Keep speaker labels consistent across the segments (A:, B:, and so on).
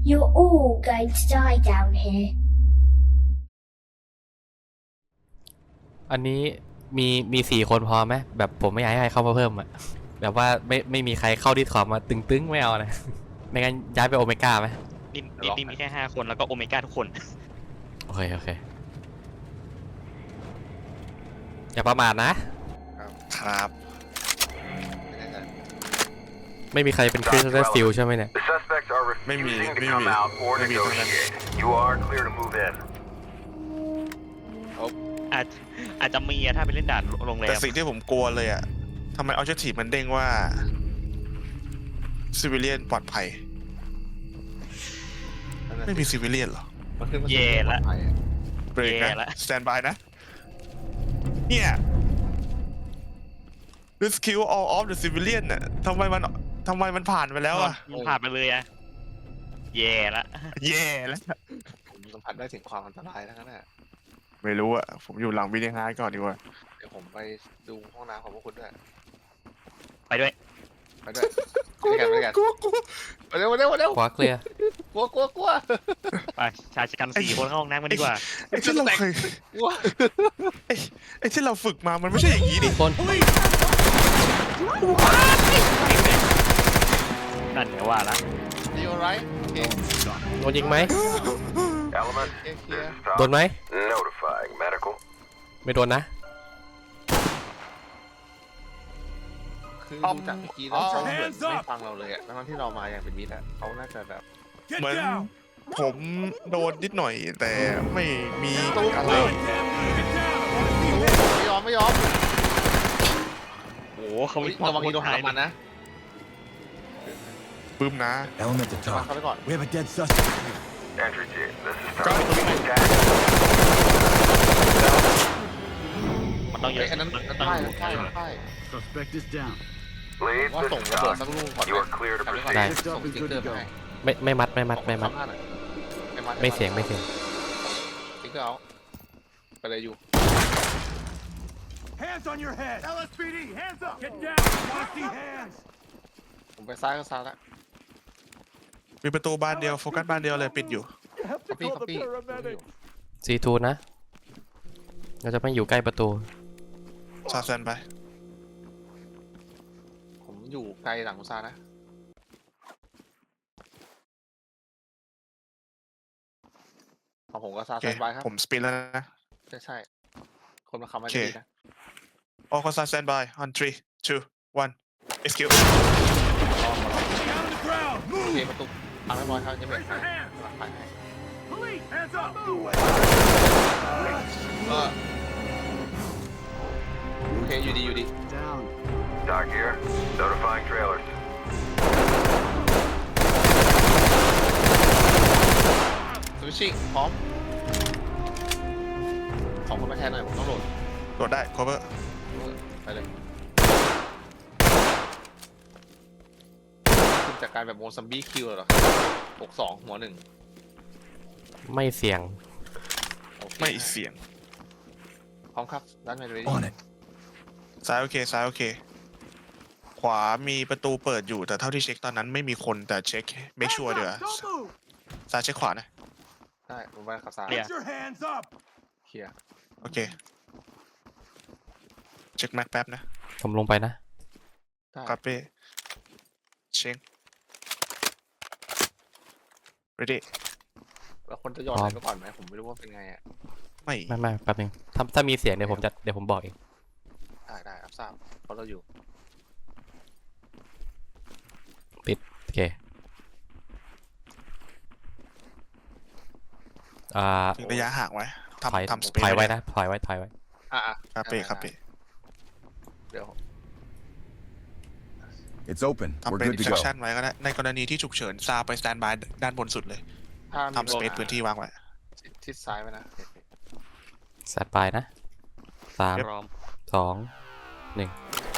A: You're all going to die down here.
B: อันนี้มี4 คนพอไหมแบบผมไม่อยากให้ใครเข้ามาเพิ่มอะแบบว่าไม่มีใครเข้าดิสคอร์ดมาตึงๆไม่เอานะ ไม่งั้นย้ายไปโอเมก้าไหม
C: นี่มีแค่5 คนแล้วก็โอเมก้าทุกคน
B: โอเคอย่าประมาทนะ
D: ครับ
B: ไม่มีใครเป็นคริสตัลฟิลใช่ไหมเนี่ย
E: The suspects are refusing to come out or negotiate. You are clear to move in.
C: อาจจะมีถ้าไปเล่นด่านโรงแร
D: แต่
C: ม
D: สิ่งที่ผมกลัวเลยอ่ะทำไมออเจทีมันเด้งว่าซิวิเลียนปลอดภัยไม่มีซิวิเลียนหรอ
C: เย่ละ
D: เบรก
C: แย่
D: นะ
C: ละ
D: สแตนบายนะเนี่ย rescue all of the civilian น่ะทำไมมันผ่านไปแล้วอ่ะ
C: มันผ่านไปเลยอะแย่ละ
D: แย่แล้ว
F: ผมสัมผัสได้ถึงความอันตรายทั้งนั้นแหละ
D: ไม่รู้อ่ะผมอยู่หลังวิดีฮาร์ดก่อนดีกว่า
F: เดี๋ยวผมไปดูห้องน้ำของพวกคุณด้วย
C: ไปด้วย
F: ไปด้วยไปกันไปเร็วเร็ว
B: ขวาเคลียร์
F: กลัว
C: ไปชายชะกัน4 คนเข้าห้องน้ำกันดีกว่า
D: ไอ้ที่เราเคย
F: กลัว
D: ไอ้ที่เราฝึกมามันไม่ใช่อย่างนี้ดิ
B: คน
C: นั่นเดี๋ยวว่าละ
F: ดีโอไรโอเค
B: โดนยิงไหม
E: Element,
F: เคลีย
E: this
F: ร์
E: is
B: โดน
E: Tom.
B: ไหม
E: Notifying medical.
B: ไม่โดนนะ
F: คือดูจากเมื่อกี้แล้วเขาเหมือนไม่ฟังเราเลยอะทั้งที่เรามาอย่างเป็นมิตรอะเขาน่าจะแบบ
D: เหมือนผมโดนนิดหน่อยแต่ไม่มีอะไร
F: ไม่ยอม
C: โอ้โหเขา
F: เฮ้ยระวังอีโดนหามันนะ
D: ปึ้มนะ
G: Element to
F: ระวัง
G: talk.
F: เขาไปก่อน
G: We have a dead suspect.
E: Entry team, this is
D: Got
E: Tom.
D: it.
E: Attack.
C: มันต้องเย
F: เฮ้
C: อะ
F: ยอันนั้น
C: มันต้อง
F: ใช่
G: Suspect is down.
E: Lead,
F: What
E: this
F: the-
E: is
F: what the-
E: Tom.
F: what the-
E: You are clear to
F: ทำไปก่อน
E: proceed.
F: ส่งสติ๊กเกอร์ไปให้
B: ไม่มัด ไม่เสียง
F: สติ๊กเกอร์เอาไปเลยอยู่
G: Hands on your head. LSPD, hands up. Get down. I want to see hands.
F: ผมไปซ้ายก็ซ้ายแล้ว
D: มีประตูบานเดียวโฟกัสบานเดียวเลยปิดอยู่
F: copy
B: C2 นะเราจะไม่อยู่ใกล้ประตู
D: ซาแซนไป
F: ผมอยู่ไกลหลังคุณซานะของผมก็ซา
D: โอเค
F: แซนบายครับ
D: ผมสปินแล้วนะ
F: ใช่คนมาคำมา
D: โอเค
F: ดีนะ
D: ออกก็ซาแซนบาย on 3 2 1 execute
G: Down on the ground.
F: โอ
G: Move.
F: เคประตูพังเรียบร้อยครับยังไม่
G: Raise
F: หาย
G: your hands.
F: กำลังไปให้
G: Police, hands up. Move.
F: ก็โอเคอยู่ดี
G: Down.
E: Doc here. Notifying trailers.
F: สวิชชิ่งพร้อมของคนมาแทนหน่อยผมต้องโหลด
D: โดดได้ cover
F: ไปเลยคุณจัดการแบบโมซัมบี้คิวเหรอ62หัวหนึ่ง
B: ไม่เสียง
F: โอเค
D: ไม่เสียง
F: พร้อมครับด้านในเลย
G: On it.
D: ซ้ายโอเคซ้ายโอเค ขวามีประตูเปิดอยู่แต่เท่าที่เช็คตอนนั้นไม่มีคนแต่เช็ค make sure เดี๋ยว
G: Don't move.
D: ซ้ายเช็คขวานะ
F: ได้ผมไปขับซ้าย
G: Get your hands up.
F: เคลียร์
D: โอเค เช็คแม็กแป๊บนะ
B: ผมลงไปนะ
F: ได้
D: คาเป้เช็ค ready
F: แล้วคนจะย้อนไหนไปก่อนไหมผมไม่รู้ว่าเป็นไงอ่ะ
D: ไม่
B: ไม่แป๊บนึงถ้ามีเสียงเดี๋ยวผมบอกเอง
F: ได้รับทราบเพราะเราอยู่
B: โอเค
D: ถึงระยะห่างไว้
B: ถอย
D: ทำสเปซ
B: ถอยไว้นะถอยไว้
F: อ่ะ
D: คาเป้คาเป้
F: เดี๋ยว
G: It's open.
D: ทำ
G: We're
D: เป็น
G: good to go.
D: instruction ไว้ก็ได้ในกรณีที่ฉุกเฉินซาไปสแตนบายด้านบนสุดเลย
F: ถ้ามี
D: ทำสเปซพื้นที่วางไว้
F: ทิศซ้ายไว้นะ
B: แซดไปนะ3
C: พร้อม
B: 2 1
F: มี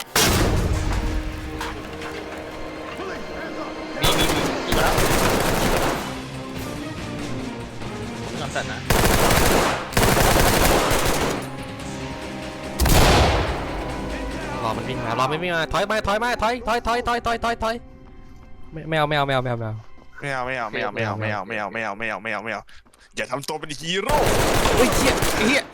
F: อยู่แล้วผมจำแต่นะ
B: รอมันวิ่งมาถอยไม่เอาไม่เอา
D: ไม่เอาอย่าทำตัวเป็นฮีโร่
B: เฮ้ยเฮีย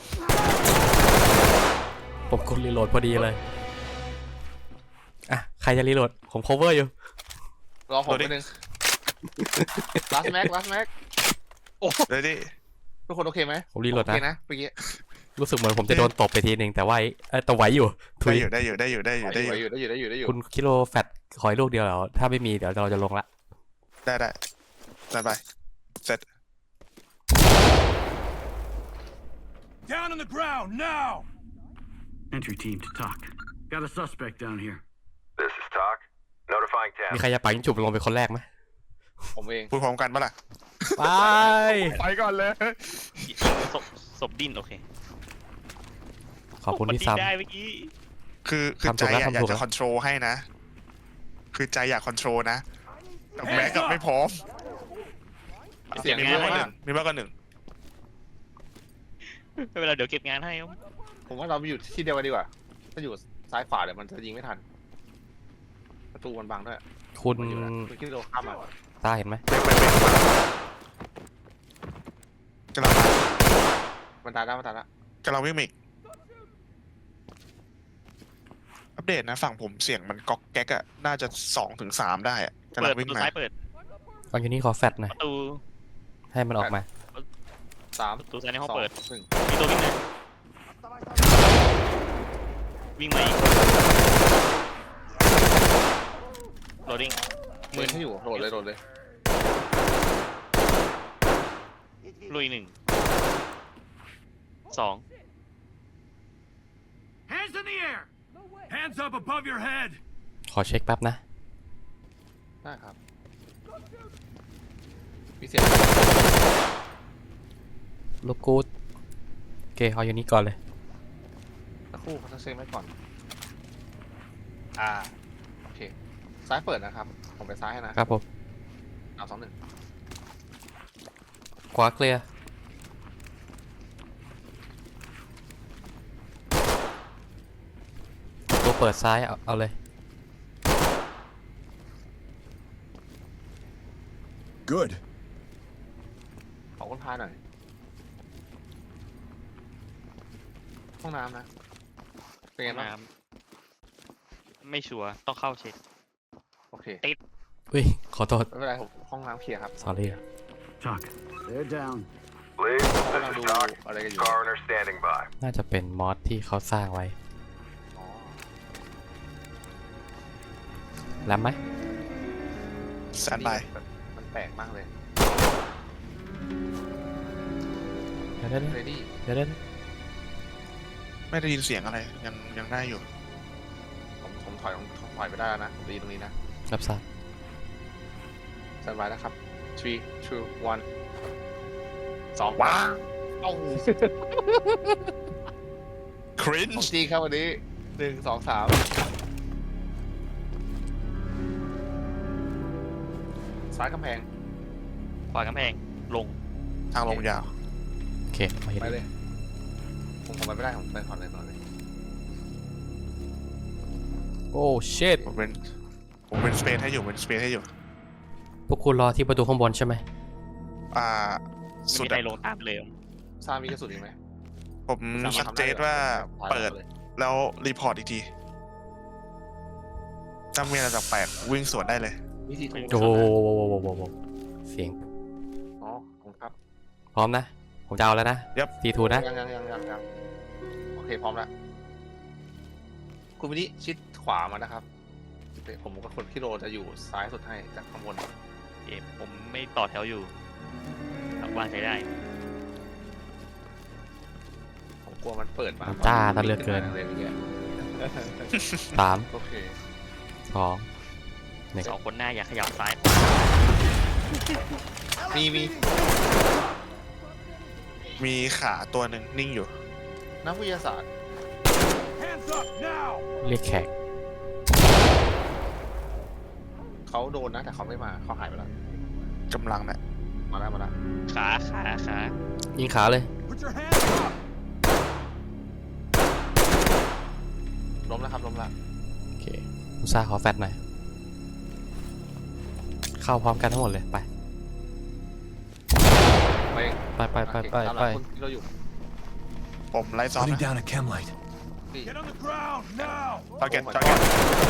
B: ผมกดรีโหลดพอดีเลยอ่ะใครจะรีโหลดผม cover อยู่
F: รอผมนิดนึง last max
D: เลยดิ
F: ทุกคนโอเคไหม
B: ผมรีโหลด
F: โอเค
B: นะ
F: นะเมื่อกี้
B: รู้สึกเหมือนผมจะโดนตบไปทีหนึ่งแต่ว่าแต่ไหวอยู่ทุ
D: ได้
B: ย
D: อยู่
F: ได้อยู่
B: คุณคิโลแฟตขอยลูกเดียวเหรอถ้าไม่มีเดี๋ยวเราจะลงละ
D: ได้สบายเสร็จ
G: Down on the ground now!
H: Entry team to talk. Got a suspect down here.
E: This is Talk. Notifying
B: มี
E: 10.
B: ใครจะปังจุบลงเป็นคนแรกไหม
F: ผมเอง
D: พูดพร้อมกันปะล่ะ
B: ไป
D: ไปก่อนเลย
C: ศพดิ้นโอเค
B: ขอบคุณที่
C: มันดิ้น
B: ซ้ำ
C: ได้เมื่อกี้
D: คือ
B: ทำถู
D: ใจ
B: กแล้ว
D: อยาก
B: ทำถูกแล้
D: จะ
B: ว
D: คอนโทรลให้นะ คือใจอยากคอนโทรลนะแต่แม็กกับไม่พร้อม
F: เสียง
D: มี
F: เย
D: มาก
F: อะ
D: กว่าห
F: มา
D: นึ่
F: ก
D: งมีมากกว่าหนึ่ง
C: ไม่เป็นไรเดี๋ยวเก็บงานให้ครับ
F: ผมว่าเราไปอยู่ที่เดียวกันดีกว่าถ้าอยู่ซ้ายขวาเดี๋ยวมันจะยิงไม่ทันประตูมันบังด้วย
B: คุณ
F: มาอยู่แล้วคุณคิดเราข้ามมา
B: ตาเห็นไหม
D: กำลังมา
F: มันตายแล้ว
D: กำลังวิ่งมาอีกอัปเดตนะฝั่งผมเสียงมันก๊อกแก๊กอะน่าจะ2-3ได้อะกำลั
C: เปิ
D: ง
C: ดป
D: วิ่
C: ระ
D: ง
C: ตู
D: มา
C: ซ้ายเปิด
B: ตอนนี้ขอแฟตหน่อย
C: ประตู
B: ให้มันออกมา
F: 3
C: ประตูซ้ายในห้อง
F: 2
C: เปิด
F: 1
C: มีตัววิ่งนะวิ่งมาอีกโหลดดิ้ง
F: มือที่อยู่โหลดเลย
C: ลุย1 2
G: Hands in the air! Hands up above your head!
B: ขอเช็คแป๊บนะ
F: ได้ครับมีเสียง
B: ลูกกูดโอเคเอาอยู่นี้ก่อนเลย
F: สักครู่เขาจะเช็คไว้ก่อน
C: อ่า
F: โอเคซ้ายเปิดนะครับผมไปซ้ายให้นะครับ
B: ผม
F: 3 2 1
B: ขวาเคลียร์ตัวเปิดซ้ายเอาเลย
G: Good.
F: ขอคนพาหน่อยห้องน้ำนะเป็นไงบ้าง
C: น้ำไม่ชัวร์ต้องเข้าเช็ค
F: โอเค
B: อุ้ยขอโทษ
F: ไม่เป็นไรผมห้องน้ำเคลียร์ครับ
B: sorry
H: Talk. They're down.
E: Lead,
F: กำลัง
E: this
F: ดู
E: is Talk.
F: อะไรกันอยู่
E: Coroner standing by.
B: น่าจะเป็นมอสที่เขาสร้างไว้
F: อ๋อ
B: แรมไหม
D: แซนบาย
F: มันแปลกมากเลย
B: เดี๋ยว
F: เรดี้
B: เดี๋ยว
D: ไม่ได้ยินเสียงอะไรยังได้อยู่
F: ผมถอยไปได้แล้วนะผมได้ยินตรงนี้นะ
B: รับทราบ
F: สบายนะครับ 3 2 1 2
D: ว้า
F: เอ้า
D: คริน
F: ของ
D: ช์
F: จริงครับวันนี้1 2 3ซ้ายกำแพง
C: ขวากำแพงลง
D: ทางลงยาว
B: โอเคมาเห็น
F: ไปเลยผมไปไม่ได้ผมไปก่อนเลย
B: โอ้เชิด
D: ผมเป็นสเปซให้อยู่
B: พวกคุณรอที่ประตูข้างบนใช่ไหม
D: อ่า
C: ไม่
D: สุด
C: มีใคร
D: อะ
C: ลงตามเลย
F: ซามีกระสุนอีกไหม
D: ผมชัดเจนว่าเปิดแล้วรีพอร์ตอีกทีถ้ามีอะไรแปลกๆวิ่งสวนได้เลย
F: วิธีถูก
B: โอ้โหเสียง
F: อ๋อผมครับ
B: พร้อมนะ ผมจะเอาแล้วนะ
D: Yep
B: ทีทูนะ
F: ยังโอเคพร้อมแล้วคุณวินิชิดขวามานะครับผมกับคนพี่โรจะอยู่ซ้ายสุดให้จากข้างบน
C: เกมผมไม่ต่อแถวอยู่วางใจได้
F: ผมกลัวมันเปิดมา
B: จ้าท่านเลือกเกิน
F: เลยเมื่อกี้
B: 3
F: โอเค
B: 2
C: 2 คนหน้าอย่าขยับซ้าย
F: มี
D: มีขาตัวหนึ่งนิ่งอยู่
F: นักวิทยาศาสตร์
G: Hands up now!
B: เรียกแขก
F: เขาโดนนะแต่เขาไม่มาเขาหายไปแล้ว
D: กำลังเนี่ย
F: มาแล้ว
C: ขา
B: ยิงขาเลย
G: Put your hands up!
F: ล้มแล้วครับล้มแล้ว
B: โอเคอุตส่าห์ขอแฟตหน่อย เข้าพร้อมกันทั้งหมดเลย ไปไปไปไปไป
F: ตามห
B: ไป
F: ลังคนที่เราอยู่
D: ผมไล่ซ้อม
G: Putting
D: นะ
G: down a chem light.
F: พี่
G: Get on the ground now.
D: ทาร์เก็ต
F: Oh my
D: ทาร์เก็ต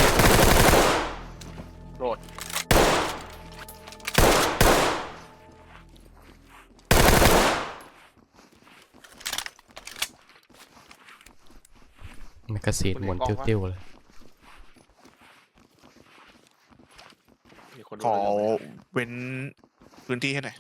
F: โรด
B: แมกกาซีนหมุนติ้วๆเลย
F: มีคน
D: ขอ
F: ดูอยู่
D: เว้นพื้นที่ให้หน่อย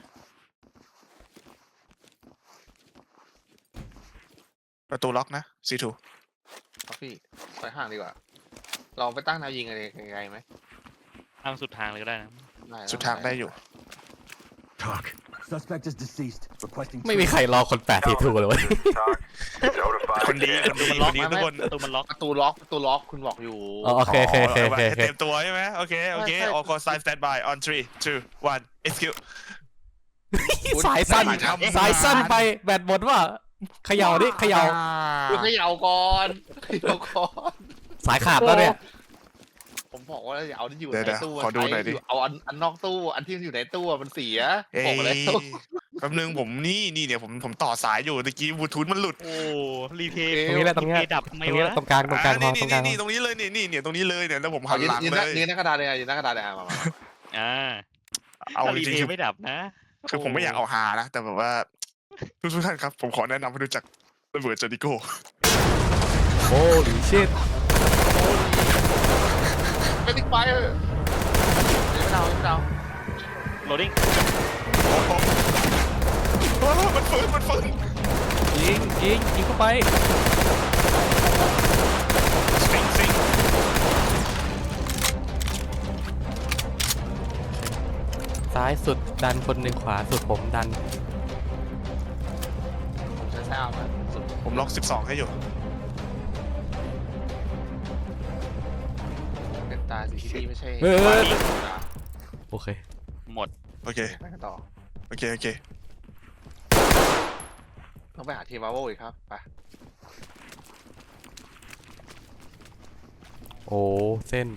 D: ประตูล็อกนะ C2
F: ครับพี่ไปห่างดีกว่าลองไปตั้งแนวยิงอะไรไกลๆไหม
C: ทางสุดทางเลยก็ได้นะ
F: ได้นะ
D: สุดทางได้อยู่
G: Talk. Suspect is deceased. Requesting.
B: ไม่มีใครรอคน8ทีถูกเลยเว้ย
E: Talk. Notify
D: คนดี
E: again.
D: คนดีคนดีทุกคน
C: ประตูมันล็อก
F: ประตูล็อกคุณบอกอยู่
B: อ๋อโอเคโอเคโอเคโอเค
D: ให้เตรียมตัวใช่ไหมโอเค โอเค
F: ใช่
D: all call sign stand by on 3 2 1 execute
B: สายสั้น
D: ไม่ทำ
B: สายสั้นไปแบตหมดว่าเขย่าดิเขย่า
F: คุณเขย่าก่อนเขย่าก่อน
B: สายขาดแล้วเนี่ย
F: ผมบอกว่าอย่าเอาที่อยู่
D: เดี๋ยว
F: ในตู้
D: ขอดูหน่อยดิ
F: เอาอันนอกตู้อันที่อยู่ในตู้มันเสีย
D: เอ้
F: บอกไปเลย
D: ยแป๊บนึงผมนี่เนี่ยผมต่อสายอยู่ตะกี้บลูทูธมันหลุด
C: โอ้รีเพย์
B: ตรงนี้แหละตรงเนี้ย
C: รีเพย์ดับทำไม
B: ตรงนี้แห
C: วะ
B: ละตรงกลางตรงกลางพอตรงกลาง
D: นี่ตรงนี้เลยนี่ตรงนี้เลยเนี่ยแล้วผมหั
F: เอา
D: น
F: ยืน
D: หลัง
F: ยืนห
D: เล
F: น้าย ยืนหน้ากระดานเลยยืนหน้ากระดานเลยมา
C: อ่า
D: เอา
C: ถ้า
D: จ
C: รี
D: ริ
C: เพ
D: งๆ
C: ย์ไม่ดับนะ
D: คือผมไม่อยากเอาฮานะ แต่แบบว่าทุกท่านครับ ผมขอแนะนำให้รู้จักระเบิดเจอริโก้
B: โอ้ดิชิต
F: เป็นติ๊กไฟเออไม่ดาวไม่ดาว
C: โหลดดิ้ง
D: โอ้โหโอ้โหมันฝืน
B: ยิงเข้าไป
D: ซิง
B: ซ้ายสุดดันคนหนึ่งขวาสุดผมดัน
F: ผมใช้แซวนะสุด
D: ผมล็อก 12 ให้อยู่
F: เป็นตาสีที่ไม่ใช่
B: เฮ้ย
F: ฟ้าดิบนะ
B: โอเค
C: หมด
D: โอเค
F: ไปกันต่อ
D: โอเค
F: ต้องไปหาทีมมาโวอีกครับไป
B: โอ้เส้น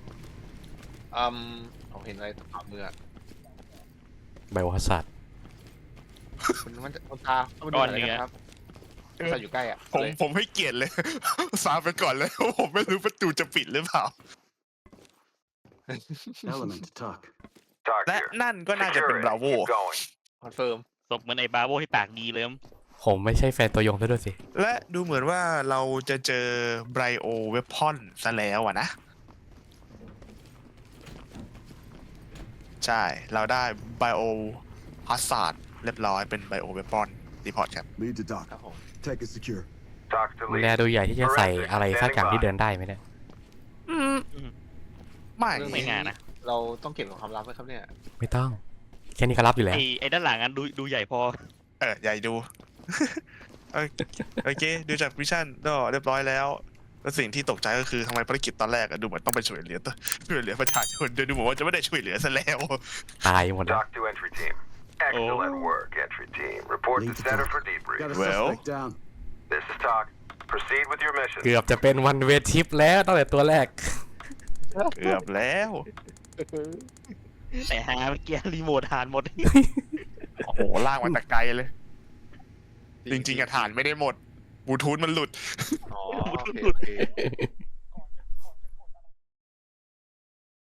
F: ผมเห็นอะไรตามมืออะ
B: ไบโอฮัสซัด
F: มันจะตามันดูอะไรกันครับถ้าอยู่ใกล้อ่ะ
D: ผมให้เกียรติเลย ซาไปก่อนเลย ผมไม่รู้ประตูจะปิดหรือเปล่า
H: Element to talk.
E: Talk
D: และ
E: here.
D: นั่นก็น่าจะเป็น
E: Secure it.
D: บราโว
E: Keep going.
F: คอนเฟิร์ม
C: ศพเหมือนไอ้บาโบที่ปากดีเลยมั้ง
B: ผมไม่ใช่แฟนตัวยงซะด้วยสิ
D: และดูเหมือนว่าเราจะเจอไบโอเวพอนซะแล้วอะนะ ใช่ เราได้ไบโอฮัสซาร์ดเรียบร้อยเป็นไบโอเวพอนรีพอร์ตครับ
G: Lead to dock.
F: ครับผม
G: Tech is secure.
E: Talk to
B: แล
E: lead.
B: ดูใหญ่ที่จะใส่อะไรสักอย่างที่เดินได้ไหมเนี่ย
D: ไม่
F: เรื่อง
C: ไม่ง่ายนะ
F: เราต้องเก็บของความลับไว้ครับเนี่ย
B: ไม่ต้อง แค่นี้ก็รับอยู่แล้ว
C: ไอ้ด้านหลังอันดูใหญ่พอ
D: ใหญ่ดู โอเค ดูจากวิชั่นก็เรียบร้อยแล้ว แล้วสิ่งที่ตกใจก็คือทำไมภารกิจตอนแรกอะดูเหมือนต้องไปช่วยเหลือประชาชนดูเหมือนว่าจะไม่ได้ช่วยเหลือซะแล้ว
B: ตายหมดแล้ว
E: Talk to entry team. Excellent work, entry team. Report to
G: Lead to
E: center
G: dock.
E: for
G: Got
E: debrief.
G: a
D: Well.
G: suspect down.
E: This is Talk. Proceed with your mission.
B: เกือบจะเป็นวันเวทิปแล้วตั้งแต่ตัวแรก
D: เกือบแล้ว
C: แต่หาเมื่อกี้รีโมทหานหมด
D: โอ้โหลากมาแต่ไกลเลย จริงๆอะฐานไม่ได้หมดบลูทูธมันหลุด
F: อ๋อ
C: พูด
F: โอเค
C: หลุด
F: โอเค